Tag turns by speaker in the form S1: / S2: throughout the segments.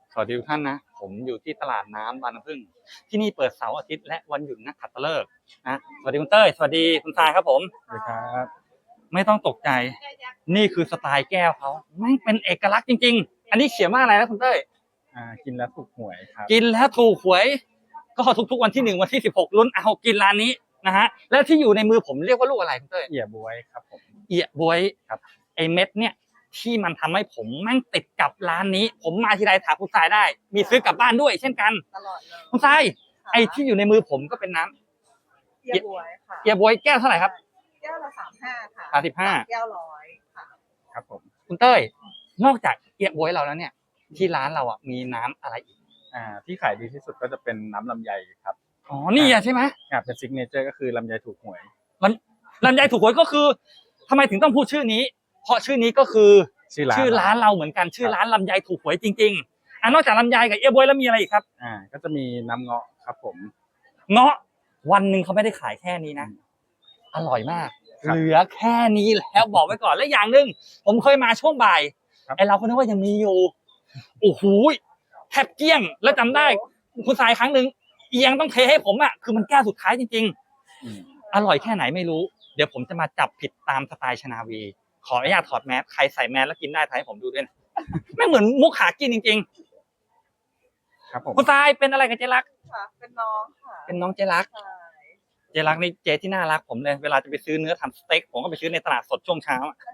S1: สวัสดีทุกท่านนะผมอยู่ที่ตลาดน้ำบางน้ำผึ้งที่นี่เปิดเสาร์อาทิตย์และวันหยุดนักขัตฤกษ์นะสวัสดีคุณเต้ยสวัสดีคุณทรายครับผม
S2: สวัสดีครับ
S1: ไม่ต้องตกใจนี่คือสไตล์แก้วเขาแม่งเป็นเอกลักษณ์จริงๆอันนี้เขียนว่าอะไรนะคุณเต้ย
S2: กินแล้วถูกหวยครับ
S1: กินแล้วถูกหวยก็ทุกๆวันที่1วันที่16ลุ้นเอากินร้านนี้นะฮะแล้วที่อยู่ในมือผมเรียกว่าลูกอะไรคุณเต้ย
S2: เอี่ยบวยครับผม
S1: เอี่ยบวย
S2: ครับ
S1: ไอเม็ดเนี่ยที่มันทำให้ผมแม่งติดกับร้านนี้ผมมาทีไรถามคุณทรายได้มีซื้อกลับบ้านด้วยเช่นกัน
S3: ตลอดเลย
S1: คุณทรายไอที่อยู่ในมือผมก็เป็นน้ำ
S3: เกี๊ยวบวยค่ะ
S1: เกี๊ยวบวยแก้วเท่าไหร่ครับ
S3: แก้วละ35ค่ะ
S1: 35
S3: แก้ว100ค่ะ
S2: ครับผม
S1: คุณเต้ยนอกจากเกี๊ยวบวยเราแล้วเนี่ยที่ร้านเราอ่ะมีน้ำอะไรอีก
S2: ที่ขายดีที่สุดก็จะเป็นน้ำลำไยครับ
S1: อ๋อนี่ใช่ไหม
S2: เป็นซิกเนเจอร์ก็คือลำไยถูกหวย
S1: ลำไยถูกหวยก็คือทำไมถึงต้องพูดชื่อนี้เพราะชื่อนี้ก็คือชื่อร้านเราเหมือนกันชื่อร้านลำไยถูกหวยจริงๆนอกจากลำไยกับเกี๊ยวบวยแล้วมีอะไรอีกครับ
S2: ก็จะมีน้ำเงาะครับผม
S1: เงาะวันหนึ่งเขาไม่ได้ขายแค่นี้นะอร่อยมากเหลือแค่นี้แล้วบอกไว้ก่อนและอย่างหนึ่งผมเคยมาช่วงบ่ายไอเราก็นึกว่ายังมีอยู่โอ้โหแทบเกลี้ยงแล้วจำได้คุณทรายครั้งหนึ่งเอียงต้องเทให้ผมอ่ะคือมันแก้วสุดท้ายจริงๆอร่อยแค่ไหนไม่รู้เดี๋ยวผมจะมาจับผิดตามสไตล์ชนาวีขออนุญาตถอดแมสใครใส่แมสแล้วกินได้ถ่ายให้ผมดูด้วยนะไม่เหมือนมุกหากินจริง
S2: ๆครับผม
S1: คุณทรายเป็นอะไรกับเจรัก
S3: ค่ะเป็นน้องค่ะ
S1: เป็นน้องเจรักเจรักนี่เจที่น่ารักผมเลยเวลาจะไปซื้อเนื้อทำสเต็กผมก็ไปซื้อในตลาดสดช่วงเช้า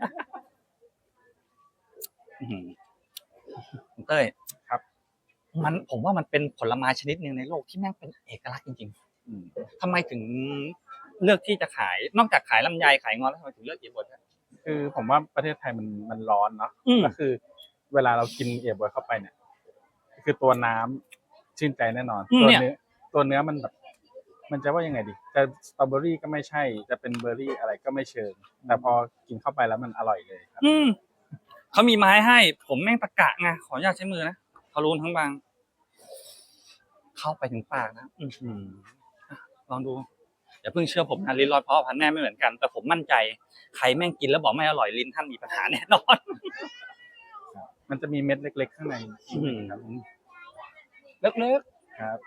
S1: คุณเต้ย
S2: ครับ
S1: ผมว่ามันเป็นผลไม้ชนิดหนึ่งในโลกที่แม่งเป็นเอกลักษณ์จริงๆทำไมถึงเลือกที่จะขายนอกจากขายลำไยขายงอแล้วทำไมถึงเลือกเอี๊ยบวย
S2: คือผมว่าประเทศไทยมันร้อนเนาะก็คือเวลาเรากินเอี๊ยบวยเข้าไปเนี่ยคือตัวน้ำชื่นใจแน่นอนตัวเนื้อมันแบบมันจะว่ายังไงดีจะสตรอเบอรี่ก็ไม่ใช่จะเป็นเบอร์รี่อะไรก็ไม่เชิงแต่พอกินเข้าไปแล้วมันอร่อยเลยครับ
S1: เขามีไม้ให้ผมแม่งตะกะไงขออนุญาตใช้มือนะเขารูนทั้งบางเข้าไปถึงปากนะลองดูอย่าเพิ่งเชื่อผมนะลิ้นรอดเพราะพันแน่ไม่เหมือนกันแต่ผมมั่นใจใครแม่งกินแล้วบอกไม่อร่อยลิ้นท่านมีปัญหาแน่นอน
S2: มันจะมีเม็ดเล็กๆข้างในครับ
S1: เล็ก
S2: ๆครับ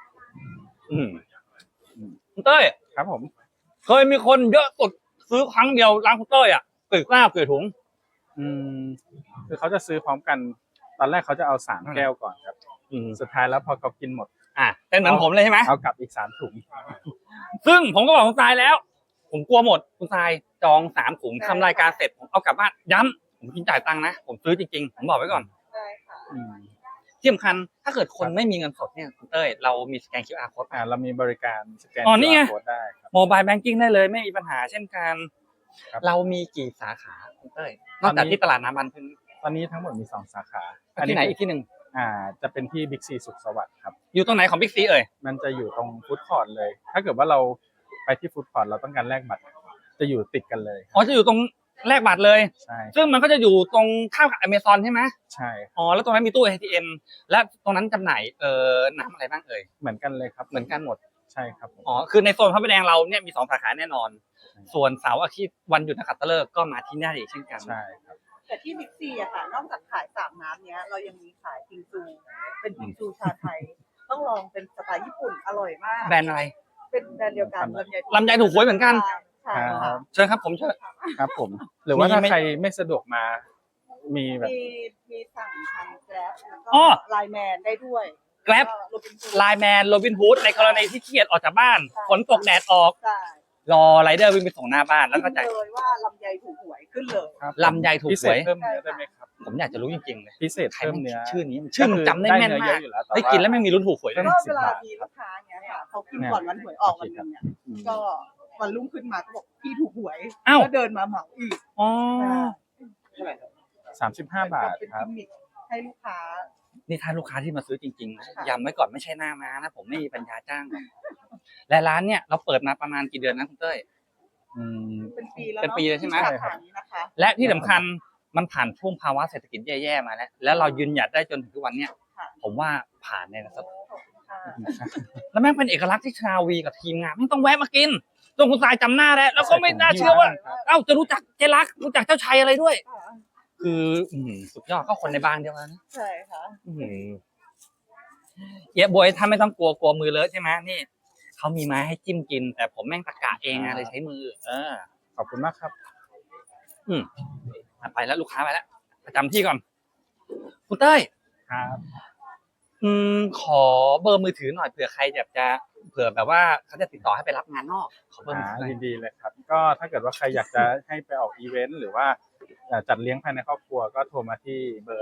S1: คุณเต้ย
S2: ครับผม
S1: เคยมีคนเยอะสุดซื้อครั้งเดียวร้านคุณเต้ยอ่ะกี่แก้วกี่ถุง
S2: คือเขาจะซื้อพร้อมกันตอนแรกเขาจะเอา3แก้วก่อนครับสุดท้ายแล้วพอเขากินหมด
S1: เป็นเหมือนผมเลยใช่ไหม
S2: เอากลับอีก3ถุง
S1: ซึ่งผมก็บอกคุณทรายแล้วผมกลัวหมดคุณทรายจอง3ถุงทำรายการเสร็จผมเอากลับบ้านย้ำผมกินจ่ายตังค์นะผมซื้อจริงๆผมบอกไว้ก่อน
S3: ได้ค่ะ
S1: ที่สำคัญถ้าเกิดคนไม่มีเงินสดเนี่ยคุณเต้ยเรามีสแกน QR code
S2: เรามีบริการสแกน
S1: QR
S2: code ได้ครับ
S1: โมบายแบงกิ้งได้เลยไม่มีปัญหาเช่นกันเรามีกี่สาขาคุณเต้ยนอกจากที่ตลาดน้ำบางน้ำผึ้ง
S2: ตอนนี้ทั้งหมดมี2สาขา
S1: ที่ไหนอีกที่หนึ่ง
S2: จะเป็นที่บิ๊กซีสุขสวัสดิ์ครับ
S1: อยู่ตรงไหนของบิ๊กซีเอ่ย
S2: มันจะอยู่ตรงฟู้ดคอร์ทเลยถ้าเกิดว่าเราไปที่ฟู้ดคอร์ทเราต้องการแลกบัตรจะอยู่ติดกันเลย
S1: จะอยู่ตรงแลกบัตรเลย
S2: ใช่
S1: ซึ่งมันก็จะอยู่ตรงข้ามกับ Amazon ใช่ไหม
S2: ใช่
S1: แล้วตรงนั้นมีตู้ ATM และตรงนั้นจำหน่ายน้ำอะไรบ้างเอ่ย
S2: เหมือนกันเลยครับ
S1: เหมือนกันหมด
S2: ใช่ครับ
S1: คือในโซนพระประแดงเราเนี่ยมี2สาขาแน่นอนส่วนเสาร์อาทิตย์วันหยุดนักขัตฤกษ์ก็มาที่นี่เช่นกัน
S2: ใช่ครับ
S3: แต่ที่บิ๊กซีอะค่ะนอกจากขาย3น้ำเนี้ยเรายังมีขายพิงซูเป็นพิงซูชาไทยต้องลองเป็นสไตล์ญี่ปุ่นอร่อยมาก
S1: แบรนด์อะไร
S3: เป็นแบรนด์เดียวกัน
S1: ลำไยถูกหวยเหมือนกัน
S3: ใช่ค่ะ
S1: เชิญครับผมเชิญ
S2: ครับผมหรือว่าถ้าใครไม่สะดวกมามีแบบ
S3: มีสั่งทาง Grab แล้วก็ไลน์แมนได้ด้วย
S1: Grab ไลน์แมนโรบินฮูดในกรณีที่ขี้เกียจออกจากบ้านฝนตกแดดออกรอไรเดอร์วิ่งไปส่งหน้าบ้านแล้วก็จ่าย
S3: เลยว่าลำไยถูกหวยขึ้นเลย
S1: ลำไยถูกหวย
S2: เพิ่มเนื้อได้ไหมครับ
S1: ผมอยากจะรู้จริงๆเลย
S2: พิเศษเพิ่มเนื้อ
S1: ชื่อนี้ชื่อมันจำได้แม่นมากได้กินแล้วไม่มีลุ้นถูกหวย
S3: ก็เวลามีลูกค้าเนี้ยค่ะเขากินก่อนวันหวยออกวันนึงเนี่ยก็วันรุ่งขึ้นมาก็บอกพี่ถูกหวยก็เดินมาเหมาอีก
S2: 35 บาทครับ
S3: ให้ลูกค้า
S1: นี่ถ้าลูกค้าที่มาซื้อจริงๆย้ำไว้ก่อนไม่ใช่หน้าม้านะผมไม่มีปัญญาจ้างและร้านเนี่ยเราเปิดมาประมาณกี่เดือนนะคุณเต้ย
S3: เป็นปีแล้ว
S1: เป็นปีเลยใช่ไหม
S3: นะคะ
S1: และที่สำคัญมันผ่านช่วงภาวะเศรษฐกิจแย่ๆมาแล้วเรายืนหยัดได้จนถึงทุกวันเนี้ยผมว่าผ่านเนี่ยนะครับแล้วแม่งเป็นเอกลักษณ์ที่ชาวีกับทีมงานไม่ต้องแวะมากินจนคุณทรายจำหน้าได้แล้วก็ไม่น่าเชื่อว่าจะรู้จักเจรักรู้จักเจ้าชัยอะไรด้วยคือสุดยอดก็คนในบ้านเดียวกัน
S3: ใช่ค่ะ
S1: เอี๊ยะบวยถ้าไม่ต้องกลัวมือเลอะใช่ไหมนี่เขามีไม้ให้จิ้มกิน แต่ผมแม่งตะกะเองอะเลยใช้มือ
S2: ขอบคุณมากครับ
S1: ไปแล้วลูกค้าไปแล้วประจำที่ก่อนคุณเต้ย
S2: ครับ
S1: ขอเบอร์มือถือหน่อยเผื่อใครอยากจะเผื่อแบบว่าเขาจะติดต่อให้ไปรับงานนอกขอเบอร์มือถือหน่อย
S2: ยินดีเลยครับ ก็ถ้าเกิดว่าใครอยากจะให้ไปออกอีเวนต์หรือว่าจัดเลี้ยงภายในครอบครัวก็โทรมาที่เบอร์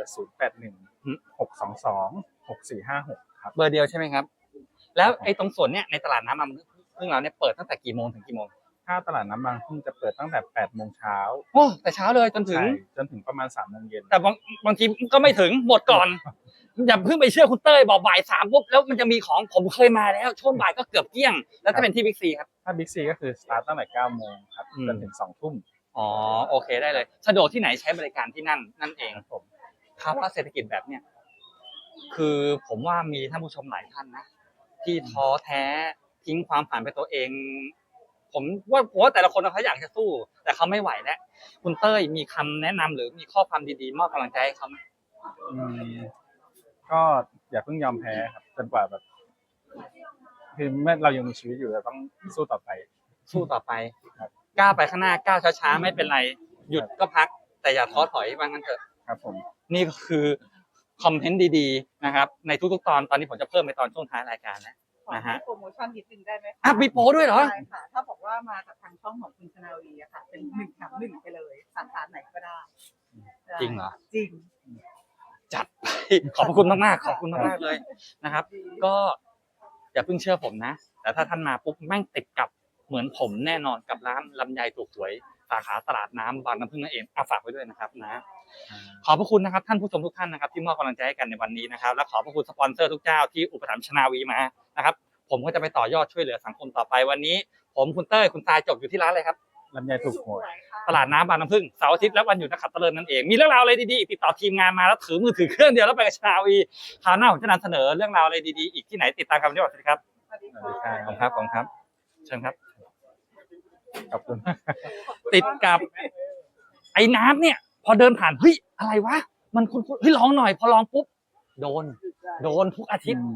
S2: 0816226456 ครับ
S1: เบอร์เดียวใช่ไหมครับ แล้วไอ้ตรงส่วนเนี้ยในตลาดน้ำมันพึ่งเราเนี่ยเปิดตั้งแต่กี่โมงถึงกี่โมง
S2: ถ้าตลาดน้ำบางพึ่งจะเปิดตั้งแต่8 โมงเช้า
S1: โอ้แต่เช้าเลยจนถึง
S2: ใช่จนถึงประมาณ3 โมงเย็น
S1: แต่บางทีก็ไม่ถึงหมดก่อน อย่าเพิ่งไปเชื่อคุณเต้ยบอกบ่าย3ปุ๊บแล้วมันจะมีของผมเคยมาแล้วช่วงบ่ายก็เกือบเกลี้ยง แล้วถ้าเป็นที่บิ๊กซีครับ
S2: ถ้าบิ๊กซีก็คือสตาร์ตตั้งแต่9 โมงครับจนถึง2 ทุ่ม
S1: อ๋อโอเคได้เลย สะดวกที่ไหนใช้บริการที่นั่นเอง
S2: ครับผม
S1: ภาวะเศรษฐกิจแบบเนี้ยคือผมว่ามีท่านผู้ชมหลายท่านนะที่ท้อแท้ทิ้งความฝันไปตัวเอง ผมว่าแต่ละคนเขาอยากจะสู้ แต่เขาไม่ไหวแล้วคุณเต้ยมีคำแนะนำหรือมีข้อความดีๆมอบกำลังใจให้เขาไหม
S2: อืมก็อย่าเพิ่งยอมแพ้ครับจนกว่าแบบคือเมื่อเรายังมีชีวิตอยู่เราต้องสู้ต่อไป
S1: สู้ต่อไป
S2: ครับ
S1: ก้าวไปข้างหน้าก้าวช้าๆไม่เป็นไรหยุดก็พัก แต่อย่าท้อถอยว่างั้นเถอะ
S2: ครับผม
S1: นี่ก็คือคอมเมนต์ดีๆนะครับในทุกๆตอนนี้ผมจะเพิ่มในตอนช่วงท้ายรายการแล้ว
S3: ขอ
S1: นะฮะ
S3: โปรโมชั่นนิดนึงได้ไหมคะ
S1: อ่ะมีโปรด้วยเหรอ
S3: ใช่ค่ะ ถ้าบอกว่ามาจากทางช่องของคุณชนาวีอะค่ะ เป็น1 แถม 1ไปเลยสาขาไหนก็ได้
S1: จริงเหรอ
S3: จริง
S1: จัดไปขอบพระคุณมากๆขอบคุณมากๆเลยนะครับ ก็อย่าเพิ่งเชื่อผมนะ แต่ถ้าท่านมาปุ๊บแม่งติดกับเหมือนผมแน่นอนกับร้านลำไยถูกหวยสาขาตลาดน้ำบางน้ำพึ่งนั่นเองฝากไว้ด้วยนะครับนะ ขอบพระคุณนะครับท่านผู้ชมทุกท่านนะครับที่มอบกำลังใจให้กันในวันนี้นะครับและขอบพระคุณสปอนเซอร์ทุกเจ้าที่อุปถัมภ์ชนาวีมานะครับผมก็จะไปต่อยอดช่วยเหลือสังคมต่อไปวันนี้ ผมคุณเต้ยคุณทรายจบอยู่ที่ร้านเลยครับ
S2: ลำไยถูกหวย
S1: ตลาดน้ำบางน้ำพึ่งเสาร์อาทิตย์และวันหยุดนักขัตฤกษ์นั่นเองมีเรื่องราวอะไรดีๆติดต่อทีมงานมาแล้วถือมือถือเครื่องเดียวแล้วไปกับชนาวีคราวหน้าผมจะนำเสนอเรื่องราวอะไรดีๆอีกที่ไหนติดตามกันวันนี้สวัสดีครับ
S3: สวัสดี
S2: สวัสดีครั
S1: ขอบคุณครับขอบคุณครับเชิญครับ
S2: ขอบคุณมาก
S1: ติดกับไอ้น้ำเนี่ยพอเดินผ่านเฮ้ยอะไรวะมันคุ้นๆเฮ้ยลองหน่อยพอลองปุ๊บโดนทุกอาทิตย์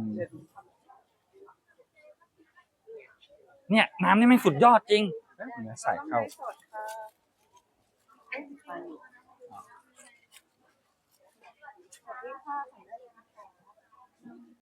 S1: เนี่ยน้ำนี่ไม่งสุดยอดจริง
S2: เนื้อใส่เข้า
S3: สดค่ะสวัสดีค่ะ